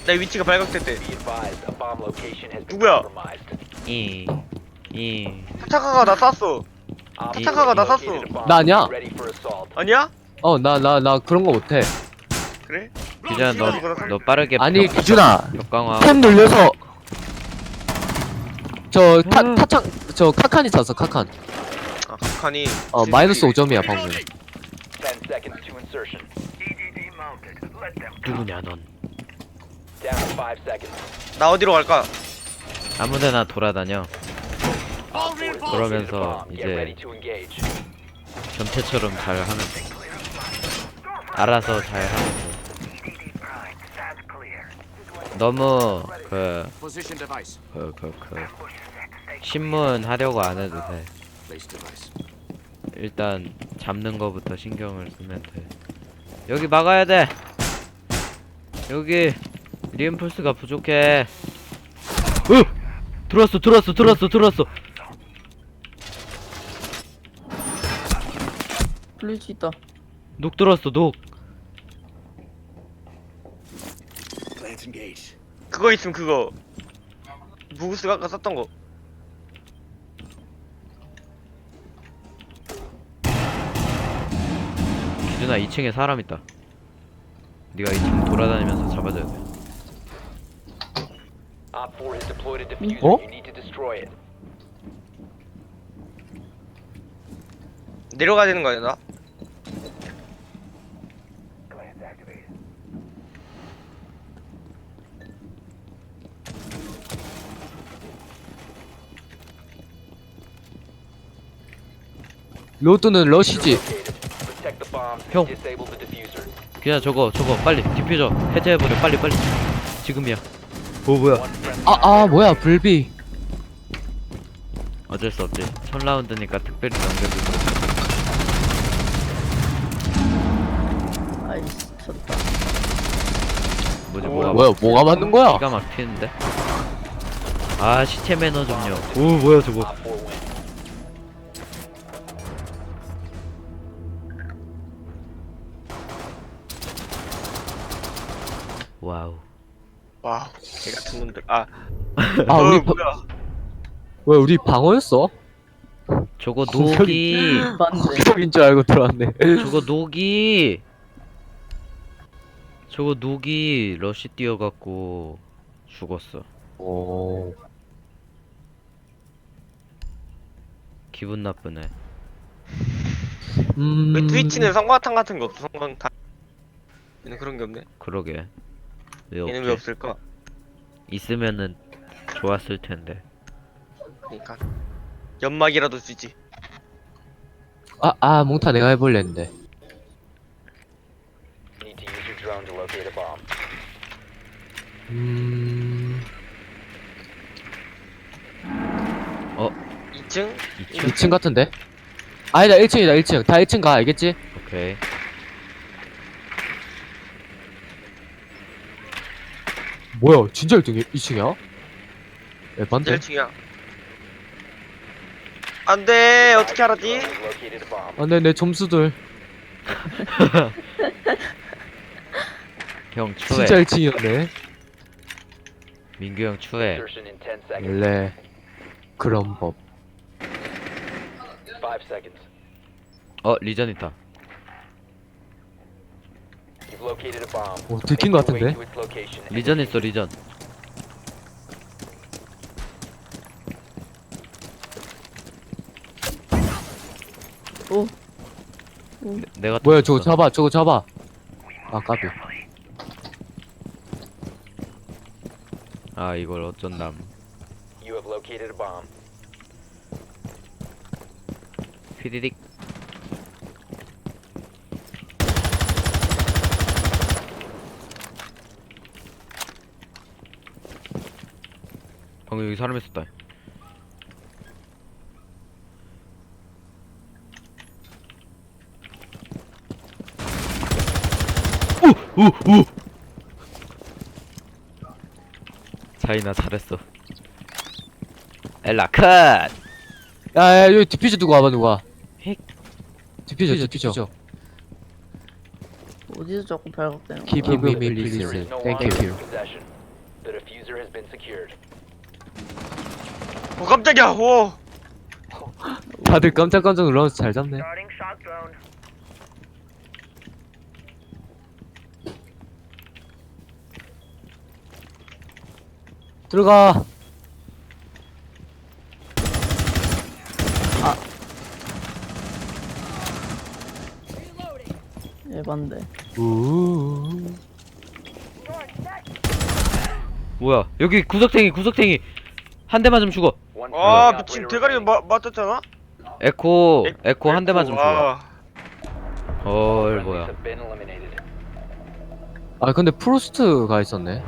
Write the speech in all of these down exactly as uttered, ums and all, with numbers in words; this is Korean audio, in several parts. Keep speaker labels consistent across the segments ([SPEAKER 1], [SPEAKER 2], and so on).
[SPEAKER 1] 내 위치가 발각됐대.
[SPEAKER 2] Be advised, a bomb location has been
[SPEAKER 1] 누구야?
[SPEAKER 2] compromised.
[SPEAKER 3] 이, 이.
[SPEAKER 1] 타차카가 나 쐈어.
[SPEAKER 2] Op
[SPEAKER 1] 타차카가 나
[SPEAKER 2] four
[SPEAKER 1] 쐈어.
[SPEAKER 2] located a bomb.
[SPEAKER 4] 나 아니야.
[SPEAKER 2] Ready for assault.
[SPEAKER 1] 아니야?
[SPEAKER 4] 어, 나, 나, 나 그런 거 못해.
[SPEAKER 1] 그래?
[SPEAKER 3] 기준아, 너, 너 빠르게.
[SPEAKER 4] 아니,
[SPEAKER 3] 벽-
[SPEAKER 4] 기준아.
[SPEAKER 3] 벽 강화.
[SPEAKER 4] 탭 눌려서. 저, 타, 타창, 저, 카칸이 찼어, 카칸.
[SPEAKER 1] 아, 북한이.
[SPEAKER 4] 어, 마이너스 오 점이야, 방금.
[SPEAKER 2] ten seconds to insertion.
[SPEAKER 3] 누구냐, 넌.
[SPEAKER 2] Down to five seconds.
[SPEAKER 1] 나 어디로 갈까?
[SPEAKER 3] 아무데나 돌아다녀.
[SPEAKER 2] Op four has located a
[SPEAKER 3] 그러면서
[SPEAKER 2] bomb. Get ready
[SPEAKER 3] 이제
[SPEAKER 2] to engage.
[SPEAKER 3] 전태처럼 잘 하면 돼. 알아서 잘 하면 돼. 너무 그,
[SPEAKER 5] Position device.
[SPEAKER 3] 그, 그, 그 신문 하려고 안 해도 돼.
[SPEAKER 5] Place device.
[SPEAKER 3] 일단 잡는 거부터 신경을 쓰면 돼. 여기 막아야 돼. 여기 리인폴스가 부족해. 으! 들어왔어, 들어왔어, 들어왔어, 들어왔어.
[SPEAKER 6] 블리치 있다.
[SPEAKER 3] 녹 들어왔어, 녹.
[SPEAKER 5] Let's engage.
[SPEAKER 1] 그거 있음, 그거. 무구스가 아까 썼던 거.
[SPEAKER 3] 기준아, 이 층에 사람 있다. 네가 이 층 돌아다니면서 잡아줘야 돼.
[SPEAKER 2] Op four has deployed a diffuser.
[SPEAKER 4] 어?
[SPEAKER 2] You need to destroy it.
[SPEAKER 1] 내려가야 되는 거 아니야, 나?
[SPEAKER 4] 로드는 러시지.
[SPEAKER 2] Located. Protect the bomb.
[SPEAKER 3] 형.
[SPEAKER 2] Disable the diffuser.
[SPEAKER 3] 그냥 저거, 저거 빨리 디퓨저 해제해버려. 빨리, 빨리. 지금이야. 오, 뭐야?
[SPEAKER 2] One friendly
[SPEAKER 4] 아, 아, 뭐야, 불비.
[SPEAKER 3] 어쩔 수 없지. 첫 라운드니까 특별히 넘겨주고.
[SPEAKER 6] 아이씨, 쳤다.
[SPEAKER 3] 뭐지,
[SPEAKER 1] 오,
[SPEAKER 3] 뭐가
[SPEAKER 4] 뭐야, 뭐가 맞는 거야?
[SPEAKER 3] 기가 막히는데? 아, 시체 매너 좀요. 오, 뭐야 저거.
[SPEAKER 2] Op four win.
[SPEAKER 3] 와우.
[SPEAKER 1] 와우, 개 같은 놈들. 아,
[SPEAKER 4] 아,
[SPEAKER 1] 어,
[SPEAKER 4] 우리, 바,
[SPEAKER 1] 뭐야.
[SPEAKER 4] 왜, 우리 방어였어?
[SPEAKER 3] 저거 녹이.
[SPEAKER 6] 맞네.
[SPEAKER 4] 공격인 줄 알고 들어왔네.
[SPEAKER 3] 저거 녹이. 저거 녹이 러시 뛰어갖고 죽었어.
[SPEAKER 4] 오.
[SPEAKER 3] 기분 나쁘네.
[SPEAKER 4] 음.
[SPEAKER 1] 왜 트위치는 성광탄 같은 거 없어, 성광탄. 얘는 그런 게 없네.
[SPEAKER 3] 그러게. 왜
[SPEAKER 1] 얘는
[SPEAKER 3] 없지?
[SPEAKER 1] 왜 없을까?
[SPEAKER 3] 있으면은 좋았을 텐데.
[SPEAKER 1] 그니까. 연막이라도 쓰지.
[SPEAKER 4] 아, 아, 몽타 내가 해볼래 했는데.
[SPEAKER 2] Need to use your drone to locate a bomb.
[SPEAKER 4] 음.
[SPEAKER 1] 이 층?
[SPEAKER 3] 이 층?
[SPEAKER 4] 이 층 같은데? 아니다, 일 층이다, 일 층. 다 일 층 가, 알겠지?
[SPEAKER 3] 오케이.
[SPEAKER 4] 뭐야, 진짜 일 층이 이 층이야? 에반데?
[SPEAKER 1] 일 층이야. 안 돼, 어떻게 알았지?
[SPEAKER 2] Drone has located a bomb.
[SPEAKER 4] 아, 네, 내 점수들.
[SPEAKER 3] 형 추해.
[SPEAKER 4] 진짜 일 층이었네.
[SPEAKER 3] 민규 형 추해.
[SPEAKER 2] Insertion in ten seconds.
[SPEAKER 4] 원래, 그런 법.
[SPEAKER 2] Five seconds.
[SPEAKER 3] 어, 리전 있다.
[SPEAKER 2] You've located a bomb.
[SPEAKER 4] 오, 들킨 것
[SPEAKER 2] Make your way
[SPEAKER 4] 같은데?
[SPEAKER 2] to its location and
[SPEAKER 3] 리전 있어, 리전.
[SPEAKER 6] 오,
[SPEAKER 3] 내- 내가
[SPEAKER 4] 뭐야,
[SPEAKER 3] 떴어.
[SPEAKER 4] 저거 잡아, 저거 잡아. 아, 까비.
[SPEAKER 3] 아, 이걸 어쩐담.
[SPEAKER 2] you have located a bomb.
[SPEAKER 3] 휘디딕. 방금 여기 사람 있었다. 오! 오! 오! 자이나 잘했어. 엘라 컷!
[SPEAKER 4] 야, 야, 여기 디퓨저 두고 와봐, 누가.
[SPEAKER 3] 핵.
[SPEAKER 4] 디퓨저, 디퓨저.
[SPEAKER 6] 어디서 자꾸 발각되는 거야?
[SPEAKER 4] Keep me,
[SPEAKER 2] There
[SPEAKER 4] please.
[SPEAKER 2] is no
[SPEAKER 4] Thank
[SPEAKER 2] longer
[SPEAKER 4] you.
[SPEAKER 2] in possession. The diffuser has been secured.
[SPEAKER 1] 오 깜짝이야. 오.
[SPEAKER 4] 다들 깜짝깜짝 놀라면서 잘 잡네. 들어가.
[SPEAKER 6] 에반데.
[SPEAKER 4] 우우우.
[SPEAKER 3] 뭐야 여기 구석탱이 구석탱이 한 대 맞으면 죽어.
[SPEAKER 2] One
[SPEAKER 1] 아
[SPEAKER 2] friendly
[SPEAKER 1] 미친
[SPEAKER 2] operator
[SPEAKER 1] 대가리
[SPEAKER 2] remaining.
[SPEAKER 1] 마, 맞았잖아.
[SPEAKER 3] 에코
[SPEAKER 1] 에-
[SPEAKER 3] 에코 한 대 맞으면 죽어.
[SPEAKER 1] 와.
[SPEAKER 3] 헐
[SPEAKER 2] Friendlies
[SPEAKER 3] 뭐야.
[SPEAKER 2] have been eliminated.
[SPEAKER 4] 아 근데 프로스트가 있었네.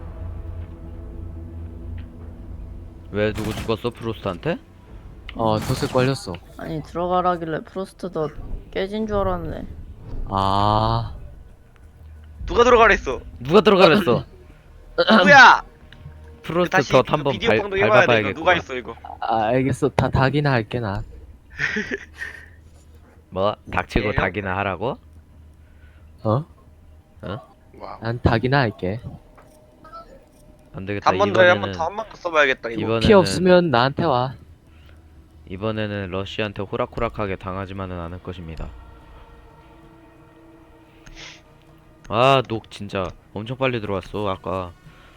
[SPEAKER 3] 왜 누구 죽었어 프로스트한테?
[SPEAKER 4] 어 덫에 걸렸어.
[SPEAKER 6] 아니 들어가라길래 프로스트도 깨진 줄 알았네.
[SPEAKER 4] 아
[SPEAKER 1] 누가 들어가랬어?
[SPEAKER 3] 누가 들어가랬어?
[SPEAKER 1] 누구야?
[SPEAKER 3] 프로스트
[SPEAKER 1] 다시
[SPEAKER 3] 덧
[SPEAKER 1] 그
[SPEAKER 3] 한번
[SPEAKER 1] 비디오
[SPEAKER 3] 밟-
[SPEAKER 1] 방송 해봐야 돼. 이거
[SPEAKER 3] 밟아봐야겠구나.
[SPEAKER 1] 누가 했어 이거?
[SPEAKER 4] 아, 알겠어. 다 닭이나 할게 나.
[SPEAKER 3] 뭐? 닥치고
[SPEAKER 1] 예요?
[SPEAKER 3] 닭이나 하라고?
[SPEAKER 4] 어?
[SPEAKER 1] 와.
[SPEAKER 4] 난 닭이나 할게.
[SPEAKER 3] 안 되겠다.
[SPEAKER 1] 한 번 더 해. 한 번
[SPEAKER 3] 이번에는
[SPEAKER 1] 더 한 번 더 써봐야겠다 이거.
[SPEAKER 3] 이번에는
[SPEAKER 4] 피 없으면 나한테 와.
[SPEAKER 3] 이번에는 러시한테 호락호락하게 당하지만은 않을 것입니다. 아, 녹 진짜 엄청 빨리 들어왔어 아까.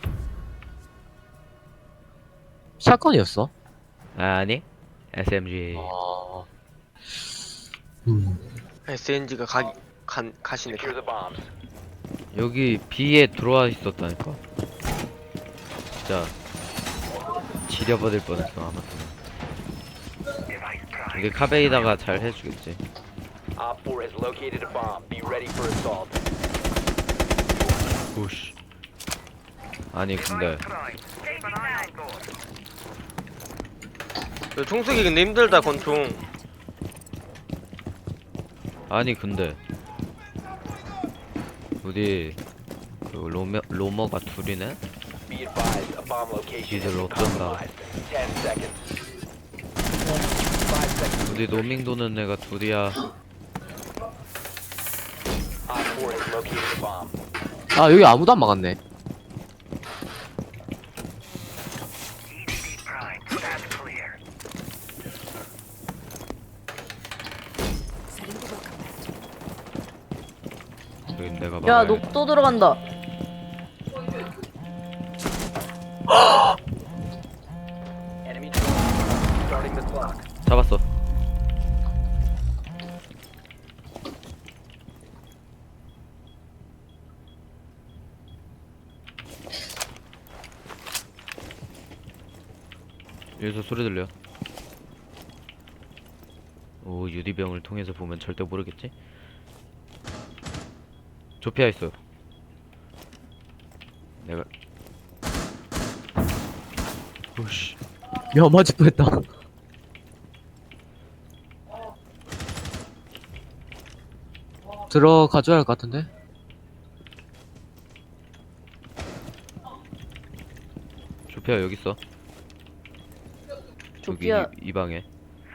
[SPEAKER 4] 샷건이었어?
[SPEAKER 3] 아니? 에스엠지.
[SPEAKER 4] 아. 음.
[SPEAKER 1] 에스엔지가 가, 간, 가시네.
[SPEAKER 2] Secure the bombs.
[SPEAKER 3] 여기 B에 들어와 있었다니까. 진짜 지려버릴 뻔했어 아마도. 여기 카베이다가 잘 해주겠지.
[SPEAKER 2] Op four has located a bomb. Be ready for assault.
[SPEAKER 3] 오씨. 아니 근데
[SPEAKER 1] 야, 총쏘기 근데 힘들다 권총.
[SPEAKER 3] 아니 근데 우리 그 로머 로머가 둘이네.
[SPEAKER 2] Be advised, a bomb location has
[SPEAKER 3] Either
[SPEAKER 2] been
[SPEAKER 3] of them,
[SPEAKER 2] compromised. Ten seconds. Five seconds.
[SPEAKER 3] 우리 노밍 도는 애가 둘이야.
[SPEAKER 2] Op four has located a bomb.
[SPEAKER 4] 아 여기 아무도 안 막았네.
[SPEAKER 3] 여기 내가
[SPEAKER 6] 야
[SPEAKER 3] 막아야
[SPEAKER 6] 녹도 들어간다.
[SPEAKER 2] Enemy drone. Starting the clock.
[SPEAKER 3] 잡았어. 여기서 소리 들려. 오, 유리병을 통해서 보면 절대 모르겠지? 조피아 있어. 내가 오씨.
[SPEAKER 4] 야 맞을 뻔했다. 들어가줘야 할 것 같은데?
[SPEAKER 3] 조피아 여기 있어. 여기
[SPEAKER 6] 조피아
[SPEAKER 3] 이, 이 방에.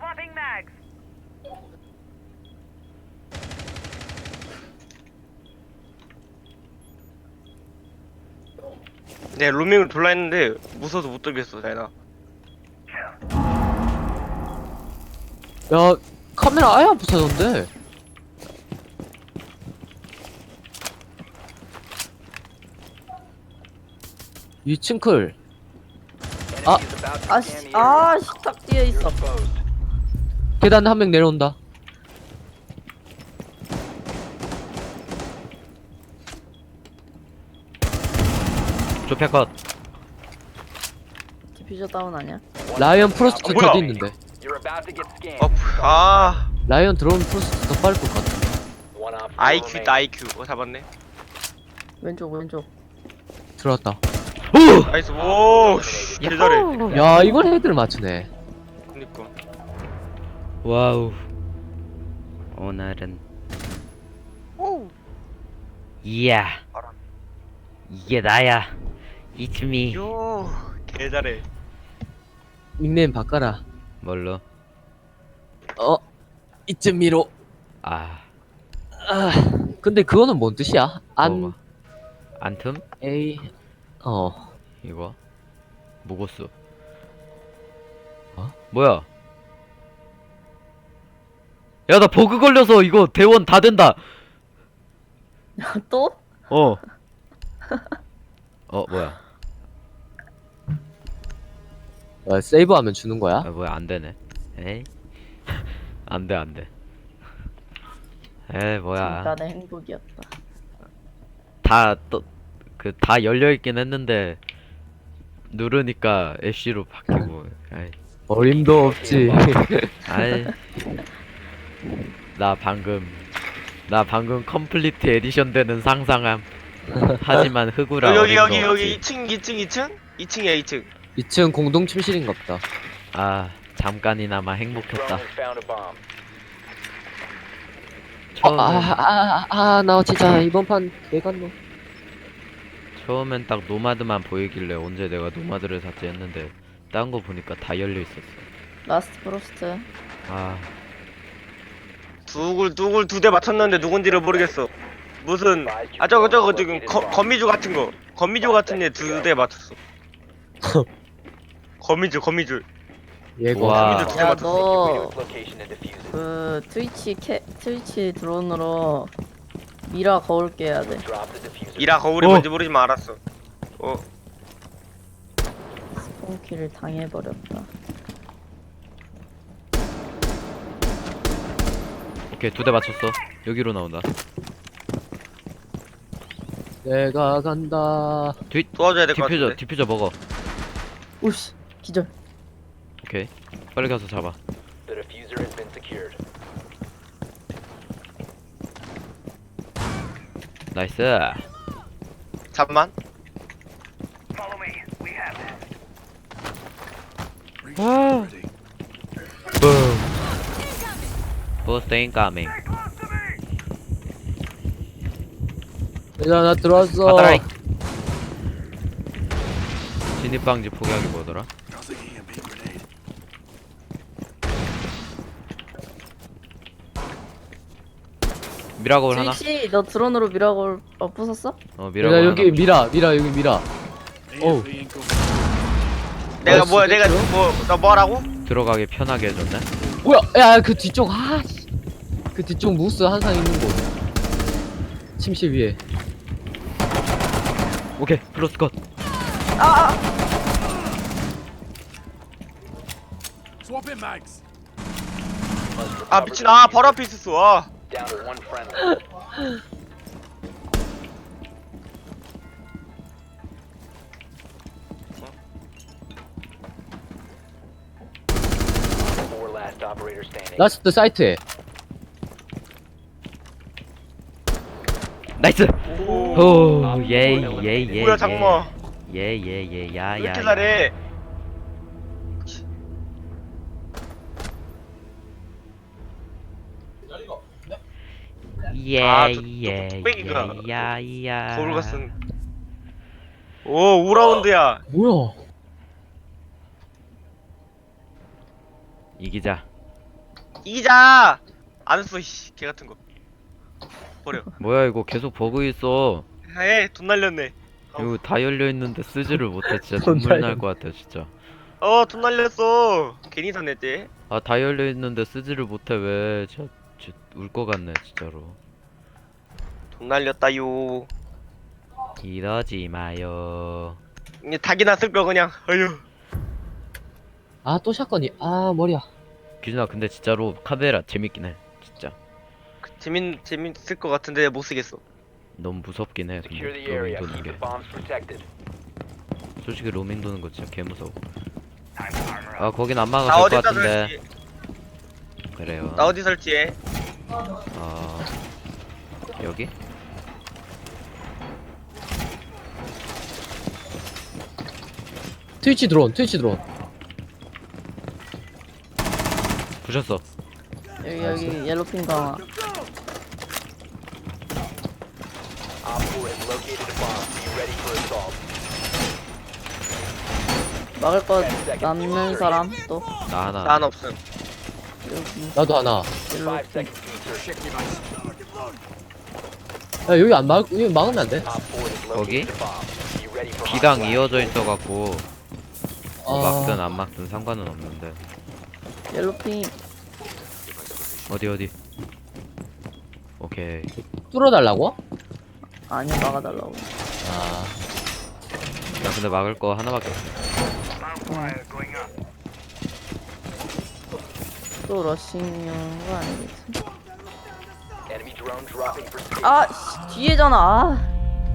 [SPEAKER 1] 네 로밍을 돌라 했는데 무서워서 못 돌겠어 자이나.
[SPEAKER 4] 야 카메라 아예 안 부서졌는데. 이 층클.
[SPEAKER 2] Enemy
[SPEAKER 4] 아.
[SPEAKER 2] is about to
[SPEAKER 6] 아씨
[SPEAKER 2] scan the area.
[SPEAKER 6] 아 식탁 뒤에
[SPEAKER 2] You're
[SPEAKER 6] 있어.
[SPEAKER 2] exposed.
[SPEAKER 4] 계단 한 명 내려온다.
[SPEAKER 3] 조피아 컷.
[SPEAKER 6] 디퓨저 다운 아니야?
[SPEAKER 4] 라이언 프로스트
[SPEAKER 1] 아, 뭐야?
[SPEAKER 4] 저기 있는데.
[SPEAKER 2] You're about to get scanned.
[SPEAKER 1] 어, 아
[SPEAKER 4] 라이언 들어오면 프로스트 더 빠를 것 같아.
[SPEAKER 2] One op four
[SPEAKER 1] 아이큐
[SPEAKER 2] remaining.
[SPEAKER 1] 다 아이큐. 어 잡았네.
[SPEAKER 6] 왼쪽 왼쪽.
[SPEAKER 4] 들어왔다.
[SPEAKER 1] 나이스. 오 씨, 개 잘해.
[SPEAKER 4] 야 이걸 헤드를 맞추네.
[SPEAKER 1] 그니까.
[SPEAKER 3] 와우. 오늘은
[SPEAKER 1] 오.
[SPEAKER 3] 이야.
[SPEAKER 1] 알아.
[SPEAKER 3] 이게 나야. It's me.
[SPEAKER 1] 요. 개 잘해.
[SPEAKER 4] 닉네임 바꿔라.
[SPEAKER 3] 뭘로?
[SPEAKER 4] 어? 이쯤 미로.
[SPEAKER 3] 아.
[SPEAKER 4] 아 근데 그거는 뭔 뜻이야? 안
[SPEAKER 3] 뭐가? 안틈?
[SPEAKER 4] A 어
[SPEAKER 3] 이거 모고스.
[SPEAKER 4] 어?
[SPEAKER 3] 뭐야? 야, 나 버그 걸려서 이거 대원 다 된다.
[SPEAKER 6] 또?
[SPEAKER 3] 어. 어, 뭐야?
[SPEAKER 4] 어, 세이브하면 주는 거야?
[SPEAKER 3] 아, 뭐야, 안 되네. 에이. 안 돼, 안 돼. 에이, 뭐야.
[SPEAKER 6] 잠깐의 행복이었다.
[SPEAKER 3] 다, 또, 그, 다 열려있긴 했는데, 누르니까 애쉬로 바뀌고, 아이.
[SPEAKER 4] 어림도 없지.
[SPEAKER 3] 아이. 나 방금, 나 방금 컴플리트 에디션 되는 상상함. 하지만 흑우라
[SPEAKER 1] 여기 여기
[SPEAKER 3] 어림도
[SPEAKER 1] 여기
[SPEAKER 3] 없지.
[SPEAKER 1] 이 층 이 층 이 층? 이 층이야 이 층.
[SPEAKER 4] 이 층 공동 침실인가 보다.
[SPEAKER 3] 아, 잠깐이나마 행복했다.
[SPEAKER 2] Drone has found a bomb.
[SPEAKER 3] 처음엔,
[SPEAKER 4] 아아아나 진짜 이번 판 개간노.
[SPEAKER 3] 처음엔 딱 노마드만 보이길래 언제 내가 노마드를 샀지 했는데, 딴 거 보니까 다 열려 있었어.
[SPEAKER 6] 라스트 프로스트.
[SPEAKER 3] 아,
[SPEAKER 1] 두굴 두굴 두 대 맞췄는데 누군지를 모르겠어. 무슨 아 저거 저거 지금 거, 거미줄 같은 거 거미줄 같은 애 두 대 맞췄어. 거미줄 거미줄.
[SPEAKER 4] 예고.
[SPEAKER 3] 와.
[SPEAKER 1] 거미줄 두 대
[SPEAKER 6] 야,
[SPEAKER 1] 맞췄어.
[SPEAKER 6] 너,
[SPEAKER 2] Its location and defuse it.
[SPEAKER 6] 그, 트위치 캐, 트위치 드론으로 미라 거울 깨야 돼.
[SPEAKER 2] Drop the diffuser.
[SPEAKER 1] 이라 거울이
[SPEAKER 3] 어.
[SPEAKER 1] 뭔지 모르지만 알았어. 어
[SPEAKER 6] 스폰키를 당해버렸다.
[SPEAKER 3] 오케이, 두 대 맞췄어. 여기로 나온다.
[SPEAKER 4] 내가 간다.
[SPEAKER 1] 도와줘야 될 것
[SPEAKER 3] 디퓨저,
[SPEAKER 1] 같은데.
[SPEAKER 3] 디퓨저 먹어.
[SPEAKER 6] 오씨, 기절.
[SPEAKER 3] 오케이. 빨리 가서 잡아.
[SPEAKER 2] The diffuser has been secured.
[SPEAKER 3] 나이스.
[SPEAKER 1] 잠만.
[SPEAKER 3] 와. 붐. 버스트 인카밍.
[SPEAKER 4] 얘들아 나 들어왔어.
[SPEAKER 3] 받아라이. 진입방지 포기하기 뭐더라?
[SPEAKER 5] Nothing here, big grenade.
[SPEAKER 3] 미라골 하나?
[SPEAKER 6] 트위치, 너 드론으로 미라 거울, 어, 부쉈어?
[SPEAKER 3] 어,
[SPEAKER 4] 얘들아
[SPEAKER 3] 미라골
[SPEAKER 4] 여기
[SPEAKER 3] 하나.
[SPEAKER 4] 미라 미라 여기 미라. 어우.
[SPEAKER 5] A F incoming.
[SPEAKER 1] 내가
[SPEAKER 4] 아,
[SPEAKER 1] 뭐야 내가
[SPEAKER 4] 진짜요?
[SPEAKER 1] 뭐나 뭐라고?
[SPEAKER 3] 들어가기 편하게 해줬네.
[SPEAKER 4] 뭐야? 야 그 뒤쪽 아. 씨. 그 뒤쪽 무스 항상 있는 곳. 침실 위에.
[SPEAKER 3] 오케이, 플러스 컷.
[SPEAKER 5] Swap in mags.
[SPEAKER 1] 아 미친 아 바로 앞에 있었어. 아.
[SPEAKER 2] Down to one friendly. Four last operator standing.
[SPEAKER 4] 라스트 사이트에.
[SPEAKER 3] 나이스.
[SPEAKER 1] 오.
[SPEAKER 3] 오, 예이, 예이, 예이.
[SPEAKER 1] 뭐야 장마.
[SPEAKER 3] 예이, 예이, 예이, 야,
[SPEAKER 1] 왜
[SPEAKER 3] 야.
[SPEAKER 1] 이렇게
[SPEAKER 3] 야.
[SPEAKER 1] 잘해?
[SPEAKER 3] 예,
[SPEAKER 1] 아, 저- 저
[SPEAKER 3] 예,
[SPEAKER 1] 뚝배기가
[SPEAKER 3] 예, 야, 야.
[SPEAKER 1] 거울 같은. 오 오 라운드야.
[SPEAKER 4] 뭐야?
[SPEAKER 3] 이기자.
[SPEAKER 1] 이기자. 안 써, 씨, 개 같은 거. 버려.
[SPEAKER 3] 뭐야, 이거 계속 버그 있어.
[SPEAKER 1] 에, 돈 날렸네.
[SPEAKER 3] 이거 다 열려 있는데 쓰지를 못해. 진짜
[SPEAKER 4] 돈
[SPEAKER 3] 눈물
[SPEAKER 4] 날려.
[SPEAKER 3] 날 것 같아, 진짜.
[SPEAKER 1] 어, 돈 날렸어. 괜히 샀냈지.
[SPEAKER 3] 아, 다 열려 있는데 쓰지를 못해. 왜? 진짜, 진짜 울 것 같네, 진짜로.
[SPEAKER 1] 돈 날렸다요.
[SPEAKER 3] 이러지 마요.
[SPEAKER 1] 이제 닭이나 쓸 거 그냥. 어휴.
[SPEAKER 4] 아 또 샷건이. 아 머리야.
[SPEAKER 3] 기준아, 근데 진짜로 카베라 재밌긴 해. 진짜.
[SPEAKER 1] 그, 재밌 재밌을 것 같은데 못 쓰겠어.
[SPEAKER 3] 너무 무섭긴 해.
[SPEAKER 2] Secure
[SPEAKER 3] 근데
[SPEAKER 2] the area.
[SPEAKER 3] 로밍 도는
[SPEAKER 2] Keep
[SPEAKER 3] 게.
[SPEAKER 2] the bombs protected.
[SPEAKER 3] 솔직히 로밍 도는 거 진짜 개 무서워. 아, 거긴 안
[SPEAKER 1] 나
[SPEAKER 3] 막아도 될 것
[SPEAKER 1] 어디다
[SPEAKER 3] 같은데.
[SPEAKER 1] 설치?
[SPEAKER 3] 그래요.
[SPEAKER 1] 나 어디 설치해?
[SPEAKER 3] 어... 여기?
[SPEAKER 4] 트위치 드론 트위치 드론.
[SPEAKER 3] 부셨어.
[SPEAKER 6] 여기, 여기, 옐로핀 강화.
[SPEAKER 2] Op four has located a bomb. Be ready for assault.
[SPEAKER 6] 막을 거 남는 사람, 또.
[SPEAKER 3] 나 하나.
[SPEAKER 1] 난 없음.
[SPEAKER 6] 여기,
[SPEAKER 4] 나도 하나.
[SPEAKER 2] Five
[SPEAKER 6] 옐로핀.
[SPEAKER 2] seconds to insert.
[SPEAKER 5] Check device.
[SPEAKER 4] 야 여기 안 막, 여기 막으면 안 돼.
[SPEAKER 2] Op four has
[SPEAKER 3] 거기?
[SPEAKER 2] located a bomb. Be ready for
[SPEAKER 3] B당
[SPEAKER 2] hostile
[SPEAKER 3] 이어져 있어갖고 뭐
[SPEAKER 4] 아,
[SPEAKER 3] 막든 안 막든 상관은 없는데.
[SPEAKER 6] 옐로핑.
[SPEAKER 3] 어디 어디. 오케이.
[SPEAKER 4] 뚫어달라고?
[SPEAKER 6] 아니야, 막아달라고.
[SPEAKER 4] 아,
[SPEAKER 3] 나 근데 막을 거 하나밖에 없어.
[SPEAKER 6] 또 러싱인 거 아니겠지?
[SPEAKER 2] enemy drone dropping for safe.
[SPEAKER 6] 아, 씨, 뒤에잖아. 아.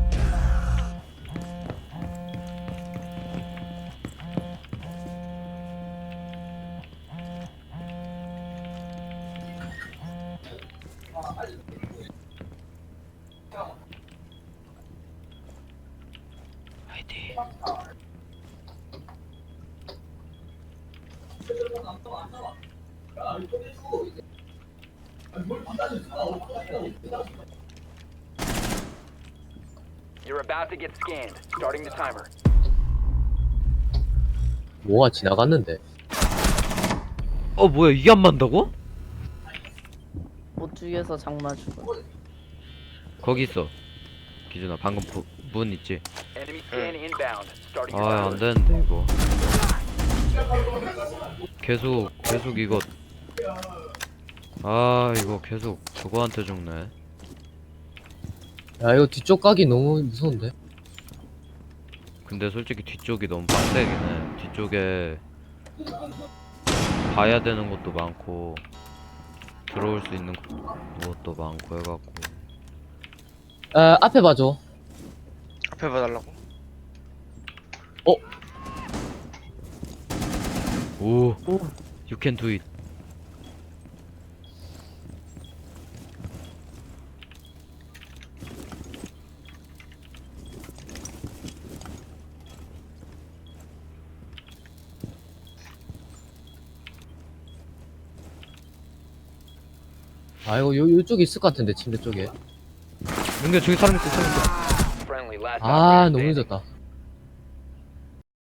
[SPEAKER 3] 화이팅.
[SPEAKER 2] You're about to get scanned. Starting the timer.
[SPEAKER 4] 뭐가 지나갔는데.
[SPEAKER 3] 어 뭐야 이게 안 맞는다고?
[SPEAKER 6] 못 죽여서 장마 죽어.
[SPEAKER 3] 거기 있어. 기준아 방금 부, 문 있지?
[SPEAKER 2] Enemy scan inbound. Starting your
[SPEAKER 3] 아
[SPEAKER 2] timer.
[SPEAKER 3] 안되는데 이거. 계속 계속 이거. 아 이거 계속 그거한테 죽네.
[SPEAKER 4] 야, 이거 뒤쪽 가기 너무 무서운데.
[SPEAKER 3] 근데 솔직히 뒤쪽이 너무 빡세긴 해. 뒤쪽에 봐야 되는 것도 많고 들어올 수 있는 것도 많고 해갖고.
[SPEAKER 4] 아, 앞에 봐줘.
[SPEAKER 1] 앞에 봐달라고.
[SPEAKER 3] 오, you can do it.
[SPEAKER 4] 아, 이거 요, 요쪽에 있을 것 같은데, 침대 쪽에.
[SPEAKER 3] 근데 저기 사람 있어, 사람 있어.
[SPEAKER 2] Friendly last
[SPEAKER 4] 아,
[SPEAKER 2] operator
[SPEAKER 4] 너무
[SPEAKER 2] standing.
[SPEAKER 4] 늦었다.